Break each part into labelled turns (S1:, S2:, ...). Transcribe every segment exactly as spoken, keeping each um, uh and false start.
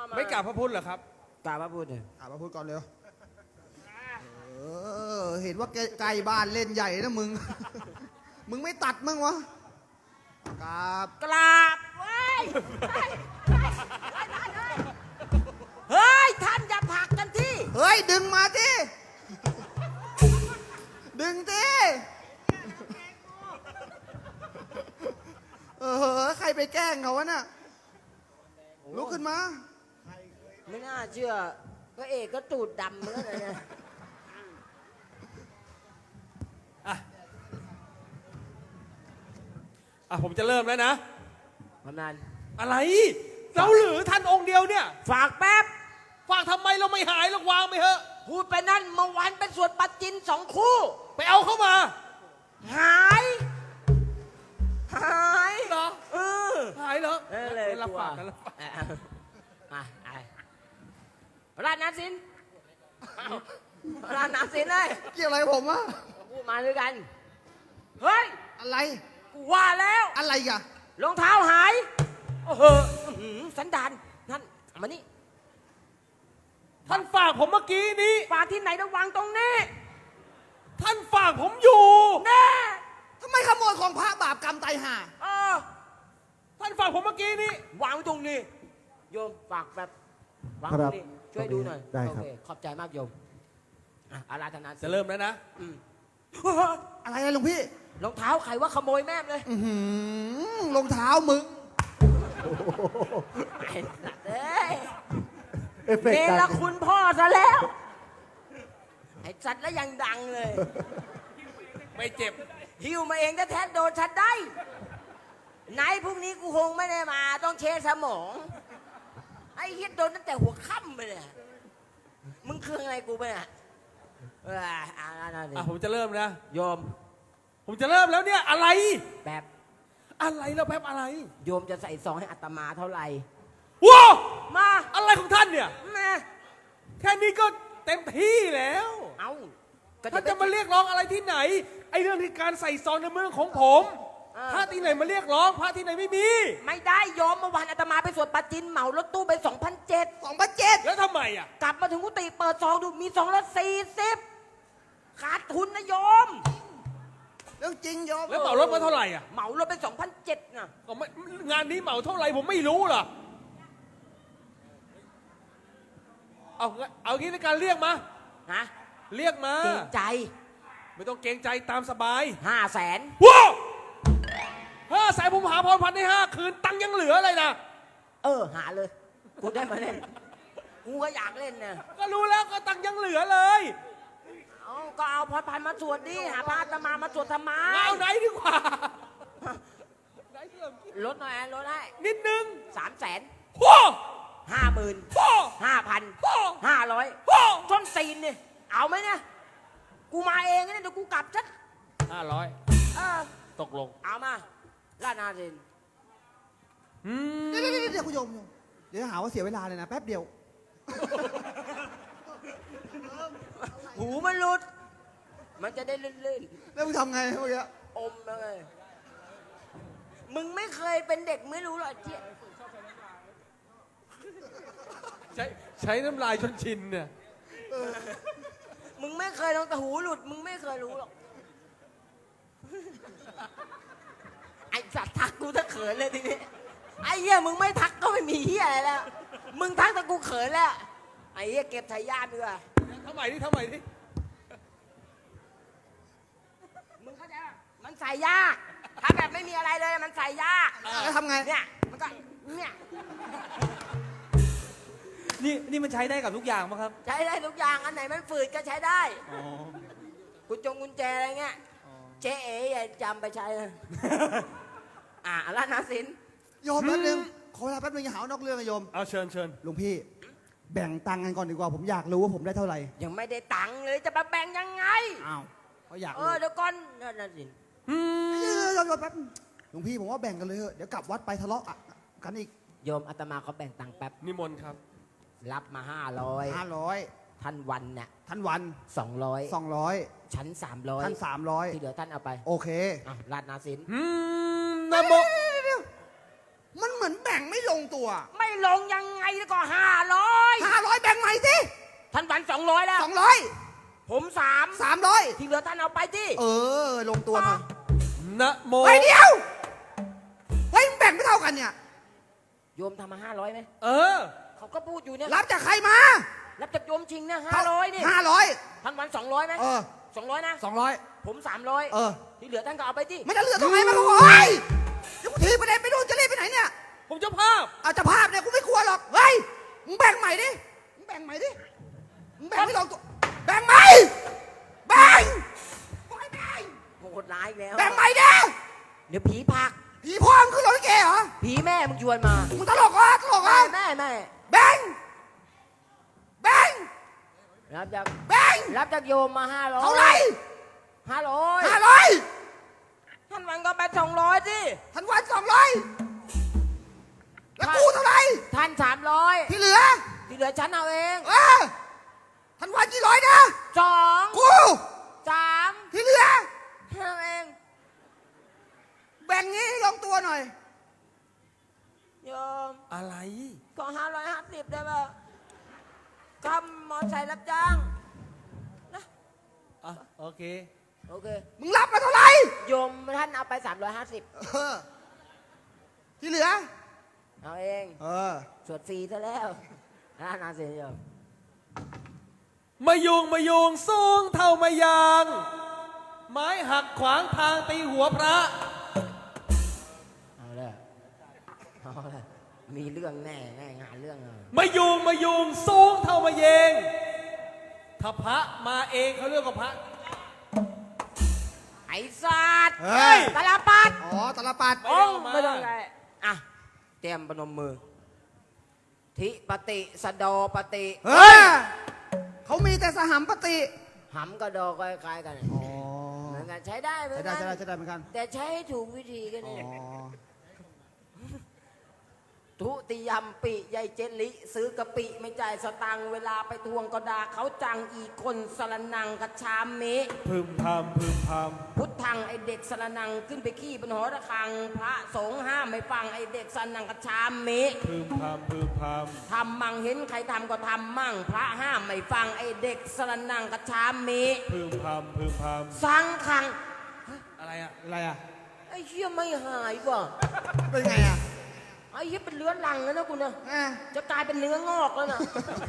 S1: ไม่กราบพระพุทธเหรอครับ
S2: กราบพระพุทธเนี่ย
S3: อ่ะมาพูดก่อนเร็วเออเห็นว่าไกลบ้านเล่นใหญ่นะมึง มึงไม่ตัดมึงวะกราบ
S2: กราบเว้ยเฮ้ยท่านอย่าผลักกันที่
S3: เฮ้ยดึงมาดิดึงดิเออใครไปแกล้งเขาวะน่ะลุกขึ้นมา
S2: ไม่น่าเชื่อพระเอกก็ตูดดำเหมือนกันนะ
S1: อ่ะอ่ะผมจะเริ่มแล้วนะ
S2: กำนัน
S1: อะไรเราหรือท่านองค์เดียวเนี่ย
S2: ฝากแป๊บ
S1: ฝากทำไมเราไม่หายเราวางไปเถอะ
S2: พูดไปนั่นเมื่อวานเป็นสวดปัจจินสองคู่
S1: ไปเอาเข้ามา
S2: หาย หาย
S1: เหรอ
S2: เออ
S1: หายเหรอ
S2: เออเลย
S1: รับ
S2: กลัว
S1: ฝากกันรับฝาก
S2: อ่ะอ่ะอ่ะราชนาสินราชนาสินเลย
S3: เกี่ยวอะไรผมวะ
S2: พูดมาด้วยกัน เฮ้ย
S3: อะไร
S2: กูว่าแล้ว
S3: อะไรกะ
S2: รองเท้าหาย โอ้โหอื้อหือสันดานนั่นเอามานี่
S1: ท่านฝากผมเมื่อกี้นี้
S2: ฝากที่ไหนระวังตรงนี้
S1: ท่านฝากผมอยู่
S2: แน่
S3: ทำไมขโมยของพระบาปกรรมไตายห่า
S2: เออ
S1: ท่านฝากผมเมื่อกี้นี้
S2: วางไว้ตรงนี้ โยมฝากแบบวางตรงนี้ช่วยดูหน่อย
S4: ได้ครับ
S2: โอเคขอบใจมากโยมอ่ะอาราธนา
S1: จะเริ่มแล้วนะ
S2: อืม
S3: อะไรนะหลวงพี่
S2: รองเท้าใครว่าขโมยแม่มเลย
S3: อื้อหือรองเท้ามึง
S2: ไอ้สัตว์เอ้ย
S4: เอฟเฟก
S2: เน
S4: ต์
S2: ร
S4: ดัง
S2: คุณพ่อซะแล้ว ไอ้สัตว์แล้วยังดังเลย
S1: ไม่เจ็บ
S2: หิวมาเองแท้ๆโดนฉันได้ ไหนพรุ่งนี้กูคงไม่ได้มาต้องเช็คสมอง ไอ้เฮียโดนตั้งแต่หัวค่ำไปเลยมึงเครื่องอะไรกูไปเนี่ยเอออ่านั่นดิ
S1: อ่ะผมจะเริ่มนะ
S2: โยม
S1: ผมจะเริ่มแล้วเนี่ยอะไร
S2: แบบ
S1: อะไรแล้วแป๊บอะไร
S2: โยมจะใส่ซองให้อาตมาเท่าไหร่
S1: ว้าว
S2: มา
S1: อะไรของท่านเนี่ย
S2: มา
S1: แค่นี้ก็เต็มที่แล้ว
S2: เอาก็
S1: ท่าน
S2: ไป
S1: จะมาเรียกร้องอะไรที่ไหน ไอ้เรื่องที่การใส่ซองในมือของผม
S2: เออ
S1: พระที่ไหนมาเรียกร้องพระที่ไหนไม่มี
S2: ไม่ได้โยมเมื่อวานอาตมาไปสวดปัจจินเหมารถตู้ไปสองพันเจ็ด
S3: สองพันเจ็ด
S1: แล้วทำไมอ่ะ
S2: กลับมาถึงกุฏิเปิดซองดูมีสองร้อยสี่สิบขาดทุนนะโยม
S3: เรื่องจริงโยม
S1: แล้วเหมารถมาเท่าไหร่อ่ะ
S2: เหมารถไปสองพันเจ็ดนะ
S1: ก็ไม่งานนี้เหมาเท่าไหร่ผมไม่รู้เหรอเอาเอางี้ในการเรียกมา
S2: ฮะ
S1: เรียกมา
S2: เกรงใจ
S1: ไม่ต้องเกรงใจตามสบาย
S2: ห้าแสน
S1: ว้าวห้าแสนผมหาพรพันธ์ได้ห้าคืนตังค์ยังเหลือเลยนะ
S2: เออ หาเลย กูได้มาเล่น กูก็อยากเล่นเนี่ย
S1: ก็รู้แล้วก็ตังค์ยังเหลือเลย
S2: เอาก็เอาพรพันมาสวดดิ หาพระอาตมามาสวดทำไม
S1: เอาไหนดีกว่าไหนเริ่ม
S2: ลดหน่อยลดให้
S1: นิดนึง
S2: สามแสน
S1: ว้าว
S2: ห้าหมื่น
S1: ว้าว
S2: ห้าพัน
S1: ว้าว
S2: ห้าร้อย
S1: ว้าว
S2: ต้นซีนเนี่ย เอาไหมเนี่ย กูมาเองเนี่ยเดี๋ยวกูกลับชัด
S1: ห้าร้อย
S2: เออ
S1: ตกลง
S2: เอามาลาดนาเรน
S1: อืม
S3: เดี๋ยวเดี๋ยวเดี๋ยวคุณโยมโยมเดี๋ยวหาว่าเสียเวลาเลยนะแป๊บเดียว
S2: หูมันหลุด มันจะได้ลื่น
S3: แล้วมึงทำไงเมื่อกี้
S2: ๆ อมเลย มึงไม่เคยเป็นเด็กไม่รู้หรอกเจี๊ย
S1: ใช้ใช้น้ำลายจนชินเนี่ย
S2: มึงไม่เคยลองแต่หูหลุด มึงไม่เคยรู้หรอก ไอ้สัตว์ทักกูถ้าเขินเลยทีนี้ ไอ้เหี้ยมึงไม่ทักก็ไม่มีเหี้ยอะไรแล้ว มึงทักแต่กูเขินแล้ว ไอ้เหี้ยเก็บทายาทดีกว่า
S1: ทำไมดิทำไมดิ
S2: มึงเข้าใจป่ะมันใส่ยาก ถ้าแบบไม่มีอะไรเลยมันใส่ยาก
S3: แล้วทำไง
S2: เนี่ย มันก็ เนี่ย
S5: นี่นี่มันใช้ได้กับทุกอย่างมั้งครับ
S2: ใช้ได้ทุกอย่าง อันไหนมันฝืดก็ใช้ได้
S5: อ๋อ
S2: กุญจงกุญแจอะไรเงี้ย เจ๊เอ๋อย่าจำไปใช้นะ อ่ะร้านนาสิน
S3: โยมแป๊บนึงขอเวลาแป๊บนึงอย่าหาว่านอกเรื่องนะโยม
S1: เอาเชิญเชิญ
S3: หลวงพี่ แบ่งตังค์กันก่อนดีกว่า ผมอยากรู้ว่าผมได้เท่าไหร่
S2: ยังไม่ได้ตังค์เลยจะมาแบ่งยังไง
S3: อ้าวเขาอยาก
S2: เอ
S3: รู้
S2: อเดี๋ยวก่อนนั่นนะสิน
S1: อืม
S3: เออโยมโยมแป๊บหลวงพี่ผมว่าแบ่งกันเลยเถอะเดี๋ยวกลับวัดไปทะเลาะกันอีก
S2: โยมอาตมาเขาแบ่งตังค์แป๊บ
S1: นิมนต์ครับ
S2: รับมาห้าร้อย
S3: ห้าร้อย
S2: ท่านวันเนี่ย
S3: ท่านวัน
S2: สองร้อย
S3: สองร้อย
S2: ชั้นสามร้อย
S3: ท่านสามร้อย
S2: ที่เหลือท่านเอาไป
S3: โอเค
S2: อ่ะราดนาสิน
S1: อืมนะโม
S3: มันเหมือนแบ่งไม่ลงงตัว
S2: ไม่ลงยังไงก็ห้าร้อย
S3: ห้าร้อยแบ่งใหม่สิ
S2: ท่านวันสองร้อยแล้ว
S3: สองร้อย
S2: ผมสาม
S3: สามร้อย
S2: ที่เหลือท่านเอาไปที่
S3: เออ ลงตัวหน่อย
S1: นะโม
S3: เฮ้ยเดียว เฮ้ยมึงแบ่งไม่เท่ากันเนี่ย
S2: โยมทำมาห้าร้อยไหม
S1: เออ
S2: เขาก็พูดอยู่เนี่ย
S3: รับจากใครมา
S2: รับจากโยมชิงเนี่ยห้าร้อยนี่
S3: ห้าร้อย
S2: ท่านวันสองร้อยไหม
S3: เออ
S2: สองร้อยนะ
S3: สองร้อย
S2: ผมสามร้อย
S3: เออ
S2: ที่เหลือท่านก็เอาไปที่
S3: ไม่จะเหลือตรงไหนมาก็โอ้ยเดี๋ยวกูทีไปไหนไปดูนจะรีบไปไหนเนี่ย
S1: ผมเจ้าภาพ
S3: เอาจะภาพเนี่ยกูไม่กลัวหรอก เฮ้ย มึงแบ่งใหม่ดิ มึงแบ่งใหม่ดิ มึงแบ่งไม่ลงตัว แบ่งใหม่ แบ่งโอ้ยแบ่ง
S2: โหดร้ายอีกแล้ว
S3: แบ่งใหม่ดิ
S2: เดี๋ยวผีพัก
S3: ผีพ่อมึงคือรถลิเกเหรอ
S2: ผีแม่มึงชวนมา
S3: มึงตลกเหรอตลกเหร
S2: แม่
S3: อ
S2: แม่แม่
S3: แบ่ง แบ่ง
S2: รับจาก
S3: แบ่ง
S2: รับจากโยมมาห้าร้อย
S3: เท่าไหร่
S2: ห้าร้อย
S3: ห้าร้อย
S2: ท่านวันก็ไปสองร้อยสิ
S3: ทันวันสองร้อยแล้วกูเท่าไหร่
S2: ท่านสามร้อย
S3: ที่เหลือ
S2: ที่เหลือฉันเอาเอง
S3: เออทันวันกี่ร้อยนะ
S2: สอง
S3: กู
S2: สาม
S3: ที่เหลือ
S2: ฉันเอาเอง
S3: แบ่งงี้ให้ลงตัวหน่อย
S2: โยม
S1: อะไร
S2: ก็ห้าร้อยห้าสิบได้ป่ะกำมอไซค์รับจ้าง
S5: อ่ะโอเค
S2: โอเค
S3: มึงรับมาเท่าไหร่
S2: โยมท่านเอาไปสามร้อยห้าสิบ
S3: เออ ที่เหลือ
S2: เอาเอง
S3: เออ
S2: สวดฟรีซะแล้วน่านาเสียโยม
S1: มายุงมายุงสูงเท่ามายาง ไม้หักขวางทางตีหัวพระ
S2: เอาเลยเอาเลยมีเรื่องแน่แน่งานเรื่องเลย
S1: มายุงมายุงสูงเท่ามาเยง ถ้าพระมาเองเขาเรียกว่าพระ
S2: ไอ้สัตว์
S3: เฮ้ย
S2: ตะลาปัด
S3: อ๋อตลปัด
S1: ไม่
S2: อง
S1: เอามา
S2: ไม่ต้องอะไรอ่ะเตรียมปนมมือ ทิปฏิสะโดปฏิ
S3: เฮ้ย เขามีแต่สหัมปติ
S2: หำกับดอกคล้ายๆกัน
S3: อ๋อ
S2: เหมือนกันใช้ได้เหมือน
S3: ใช่
S2: กั
S3: ได้
S2: น
S3: ใช่ได้ใช่ได้เหมือนกัน
S2: แต่ใช้ให้ถูกวิธีกัน
S3: อ๋อ
S2: นี่ทุติยมปิยายเจลิ ซื้อกะปิไม่จ่ายสตังค์เวลาไปทวงก็ด่าเขาจังอีกคนสรนังกระชามเม
S1: พึมพำพึมพ
S2: พุทธังไอเด็กสรนังขึ้นไปขี้บนหอระฆัง พระสงฆ์ห้ามไม่ฟังไอเด็กสรนังกระชามเม
S1: ำพึมพำพึมพ
S2: ทำมั่งเห็นใครทำก็ทำมั่ง พระห้ามไม่ฟังไอเด็กสรนังกระชามเม
S1: ำพึมพำพึมพ
S2: สังขัง
S1: ำอะไรอะ
S3: อะไรอ่ะ
S2: ไอ้เชี่ยไม่หายว่ะ
S3: เป็นไงอ่ะ
S2: ไอ้เชี่ยเป็นเลื้อนลังแล้วนะกูนะ
S3: แม่
S2: จะกลายเป็นเนื้องอกแล้วนะ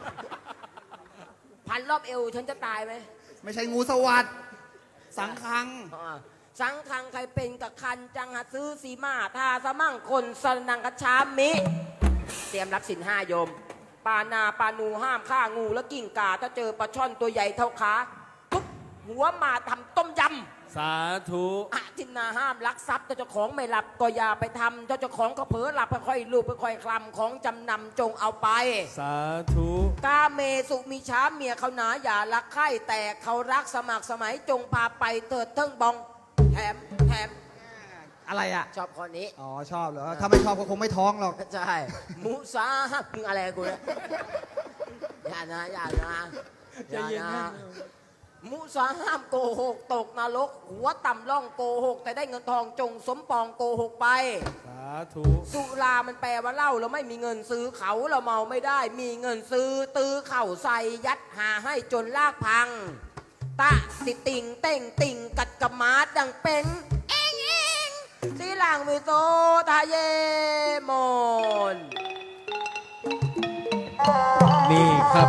S2: พันรอบเอวฉันจะตายไหม
S3: ไม่ใช่งูสวัสดสังคัง
S2: อ่าสังคังใครเป็นกับคันจังหาซื้อสีมาทาสมั่งคนสนังกระชามิ เตรียมรับสินห้าโยม ปานาปานูห้ามฆ่างูและกิ่งกา ถ้าเจอปลาช่อนตัวใหญ่เท่าขาทุบหัวมาทำต้มยำ
S1: สาธุ
S2: อาทินนาห้ามลักทรัพย์ถ้าเจ้าของไม่หลับก็อย่าไปทำถ้าเจ้าของก็เผลอหลับค่อยๆลูบค่อยๆคลำของจำนำจงเอาไป
S1: สาธุ
S2: กาเมสุมีช้าเมียเขาหนาอย่ารักใคร่แต่เขารักสมัครสมัยจงพาไปเถิดเทิงบองแถมแถม
S3: อะไรอ่ะ
S2: ชอบคนนี้
S3: อ๋อ ชอบเหรอ ถ้าไม่ชอบก็คงไม่ท้องหรอก
S2: ใช่มุสาฮักมึงอะไรกูเนี่ยอย่านะอย่านะอย่านะมุสาห้ามโกหกตกนรกหัวต่ำล่องโกหก แต่ได้เงินทองจงสมปองโกหกไป
S1: สาธุ
S2: สุรามันแปลว่าเหล้าเราไม่มีเงินซื้อเขาเราเมาไม่ได้ มีเงินซื้อตื้อเข่าใส่ยัดหาให้จนลากพัง ตะติติงเต่งติงกัดกระมาดดังเป็นเองเองสีหลังมิโตทาเยมน
S1: นี่ครับ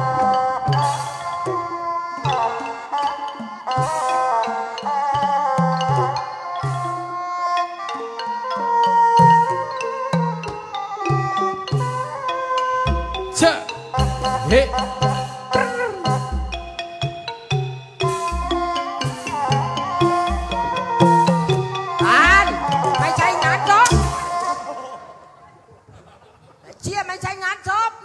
S1: เชะเฮ้
S2: อ่านไม่ใช่งานศพเชี่ยไม่ใช่งานศพ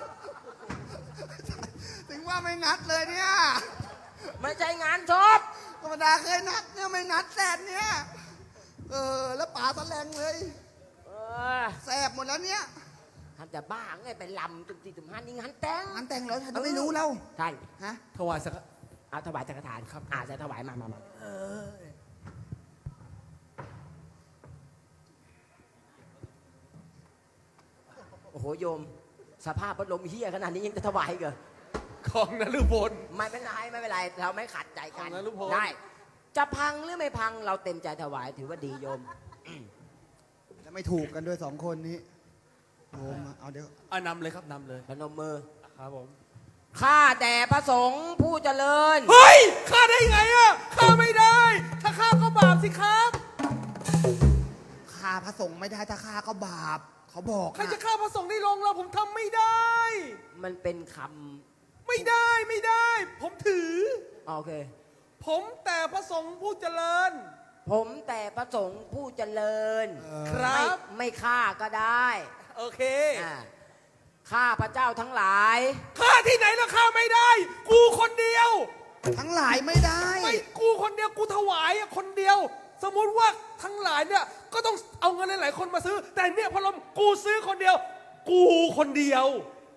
S3: ถึงว่าไม่นัดเลยเนี่ย
S2: ไม่ใช่งานศพ
S3: ธรรมดาเคยนัดเนี่ยไม่นัดแสบเนี่ย เออ แล้วป๋าแสลงเลย
S2: เออ
S3: แสบหมดแล้วเนี่ย
S2: ทำจะบ้าไงไปลำจุดสี่จุดห้านี่งานแต่ง
S3: งานแต่งเหรอฉันไม่รู้แล้ว
S2: ใช่
S3: ฮะ
S1: ถวายสัก
S2: เอาถวายสังฆทานครับอาจะถวายมามามาโอ้โหโยม สภาพพัดลมเฮียขนาดนี้ยังจะถวายอีกเหรอ
S1: ของนฤพล
S2: ไม่เป็นไรไม่เป็นไรเราไม่ขัดใจกัน
S1: ของนฤพล
S2: ได้ จะพังหรือไม่พังเราเต็มใจถวายถือว่าดีโยม
S3: แล้วไม่ถูกกันด้วยสองคนนี้โยมอะเอาเดี๋ยว
S1: อ่ะนำเลยครับนำเลย
S2: พนมมือ
S1: ครับผม
S2: ข้าแต่พระสงฆ์ผู้เจริญ
S1: เฮ้ยฆ่าได้ไงอ่ะฆ่าไม่ได้ ถ้าฆ่าก็บาปสิครับ
S3: ฆ่าพระสงฆ์ไม่ได้ถ้าฆ่าก็บาป เขาบอก
S1: ใครจะ
S3: นะ
S1: ฆ่าพระสงฆ์ในโรงเราผมทำไม่ได้
S2: มันเป็นค
S1: ไม่ได้ไม่ได้ ผมถือ
S2: ำโอเค
S1: ผมแต่พระสงฆ์ผู้เจริญ
S2: ผมแต่พระสงฆ์ผู้เจริญ
S3: เออ
S1: ครับ
S2: ไม่ไม่ฆ่าก็ได้
S1: โอเค
S2: อ่าข้าพระเจ้าทั้งหลาย
S1: ฆ่าที่ไหนแล้วฆ่าไม่ได้ กูคนเดียว
S3: ทั้งหลายไม่ได้
S1: ไม่กูคนเดียวกูถวายอะคนเดียว สมมุติว่าทั้งหลายเนี่ยก็ต้องเอาเงินหลายๆคนมาซื้อ แต่เนี่ยพอลมกูซื้อคนเดียว กูคนเดียว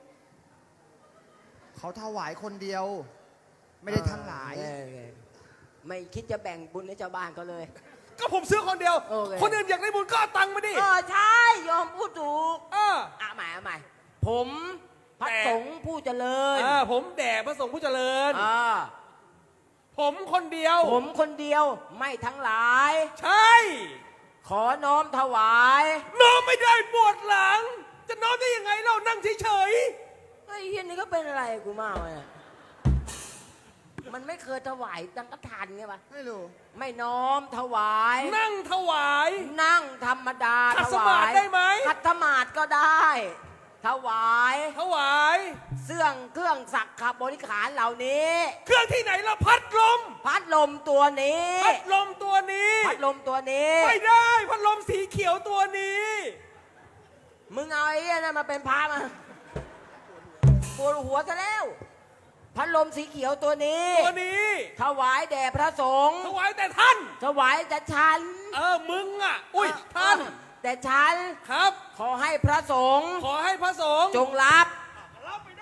S3: เขาถวายคนเดียว ไม่ได้ทั้งหลาย
S2: เออไม่คิดจะแบ่งบุญให้ชาวบ้านก็เลย
S1: ก็ผมซื้อคนเดียว
S2: โอเค
S1: คนอื่นอยากได้บุญก็เอาตังค์มาดิ
S2: เออใช่ยอมพูดถูก
S1: เออ
S2: อ่ะใหม่อ่ะใหม่ผมพระ
S1: แต่
S2: สงฆ์ผู้เจริญ
S1: อ่าผมแด่พระสงฆ์ผู้เจริญ
S2: อ่า
S1: ผมคนเดียว
S2: ผมคนเดียวไม่ทั้งหลาย
S1: ใช่
S2: ขอน้อมถวาย
S1: น้อมไม่ได้ปวดหลัง จะน้อมได้ยังไงเรานั่งเฉย
S2: ไอ้เฮียนี่ก็เป็นอะไรกูมากเลยอะมันไม่เคยถวายตังกทานไงปะ
S3: ไม่รู้
S2: ไม่น้อมถวาย
S1: ๆนั่งถวาย
S2: นั่งธรรมดา
S1: ขัด
S2: ถ
S1: ส
S2: ว
S1: มาธิ
S2: าย
S1: ได้ไหม
S2: ขัดสมาธิก็ได้ ถวาย
S1: ถวาย
S2: เสื่องเครื่องสักขบริขารเหล่านี้
S1: เครื่องที่ไหนเราพัดลม
S2: พัดลมตัวนี้
S1: พัดลมตัวนี้
S2: พัดลมตัวนี้
S1: ไม่ได้พัดลมสีเขียวตัวนี้
S2: มึงเอาไอ้เหี้ยนั่นมาเป็นพระมาปวดหัวซะแล้ว พัดลมสีเขียวตัวนี้
S1: ตัวนี้
S2: ถวายแด่พระสงฆ์
S1: ถวายแต่ท่าน
S2: ถวายแต่ฉัน
S1: เออมึงอ่ะ อุ้ยท่าน
S2: แต่ฉัน
S1: ครับ
S2: ขอให้พระสงฆ์
S1: ขอให้พระสงฆ์
S2: จงรับ
S1: รับไปได้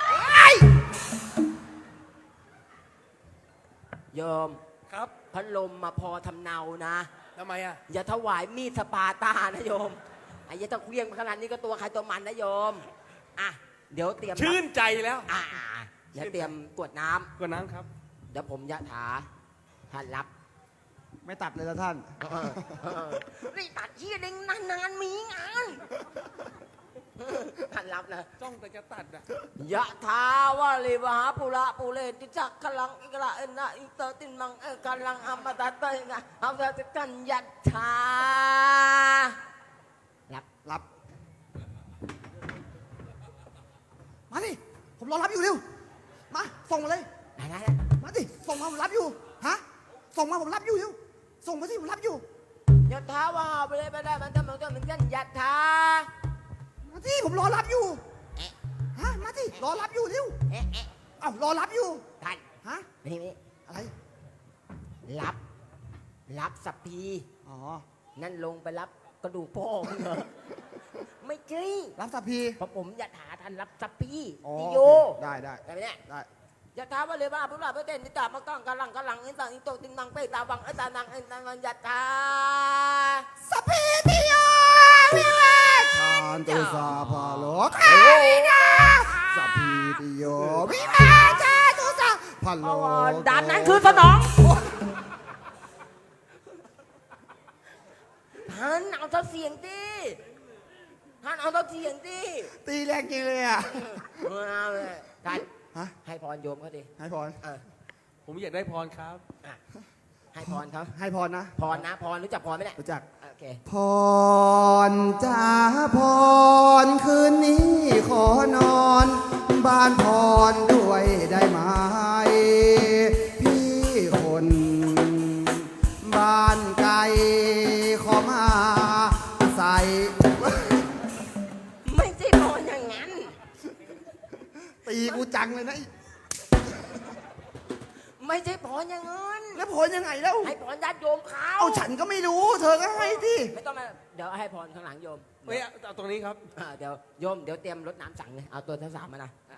S2: โยม
S1: ครับ
S2: พัดลมมาพอทำเนานะ
S1: ทำไมอ่ะ
S2: อย่าถวายมีดสปาร์ตานะโยมไอ้ยาตะเครียงขนาดนี้ก็ตัวใครตัวมันนะโยมอ่ะเดี๋ยวเตรียม
S1: ชื่นใจแล้ว
S2: อ่ะอ่ะอ่ะเดี๋ยวเตรียมกรวดน้ำ
S1: กว่าน้ำครับ
S2: เดี๋ยวผมยะถาท่านรับ
S3: ไม่ตัดเลยละท่าน
S2: นี่ตัดที่เด้งนานๆมีงานท่านรับนะ
S1: จ้องแต่จะตัดอ่ะ
S2: ยะถาวาลิวหาปุระปุเรติจักขลังอิกระเอ็นนะอิเตอร์ตินมังเอกาลังอัมปะตะเตยนะอัมปะตะกันยัตถารับ
S3: รับ มาดิ ผมรอรับอยู่เร็ว มา ส่งมาเลย
S2: ได้ได้
S3: มาดิ ส่งมาผมรับอยู่ ฮะ ส่งมาผมรับอยู่เร็ว ส่งมาสิผมรับอยู่
S2: ยะถาวาปุเรไปได้มันทำมันก็มันกันยัตถา
S3: มาสิผมรอรับอยู่
S2: เอ๊ะ
S3: ฮะ มาสิรอรับอยู่เร็ว
S2: เอ๊ะเอ๊ะ
S3: เอ้ารอรับอยู่
S2: ท่าน
S3: ฮะ
S2: มานี่มานี่
S3: อะไร
S2: รับ รับสัพพี
S3: อ๋อ
S2: นั่นลงไปรับกระดูกพ่อมึงเหรอ ไม่ใช่
S3: รับสัพพี
S2: เพราะผมยะถาท่านรับสัพพี
S3: อ๋อ
S2: ติ
S3: โอ
S2: โย
S3: เคได้ได้
S2: ได้ไหมเนี่ย
S3: ได้
S2: ยะถาวะเลยว่าพุทธะพระเตนิตามังกังกะลังกะลังอินตังอิโตตินังเปตาวังอิตานังอิตานังยะถา
S3: สัพพีติโยวิเวกชานตุสาภาโลกาวินาสัพพีติโยวิเวกชานตุสาภาโล
S2: เอา
S3: ก
S2: ด่านนั้นคือสนองท่านเอาเท่าเสียงดิท่านเอาเท่าเสียงดิ
S3: ตีแรงจริงเลยอ่ะ
S2: เอาเลยท่าน
S3: ฮะ
S2: ให้พรโยมเขาดิ
S3: ให้พร
S2: เออ
S1: ผมอยากได้พรครับ
S2: อ่ะให้พรเขา
S3: ให้พรนะ
S2: พรนะพรรู้จักพรไหมเนี่ย
S3: รู้จัก
S2: โอเค
S3: พรจ้าพรคืนนี้ขอนอน บ้านพรด้วยได้ไหม พี่คนบ้านไกลขอมาใส่
S2: ไม่ใช่พรอย่างนั้น
S3: ตีกูจังเลยนะ
S2: ไม่ใช่พรอย่างนั้น
S3: แล้วพรยังไงแล้ว
S2: ให้พรญาติโยมเขา
S3: เอาฉันก็ไม่รู้ เธอก็ให้ที่
S2: ไม่ต้องมาเดี๋ยวให้พรข้างหลังโยม
S1: เฮ้ยเอาตรงนี้ครับ
S2: อ่าเดี๋ยวโยมเดี๋ยวเตรียมรถน้ำสั่งเลยเอาตัวทั้งสามมานะ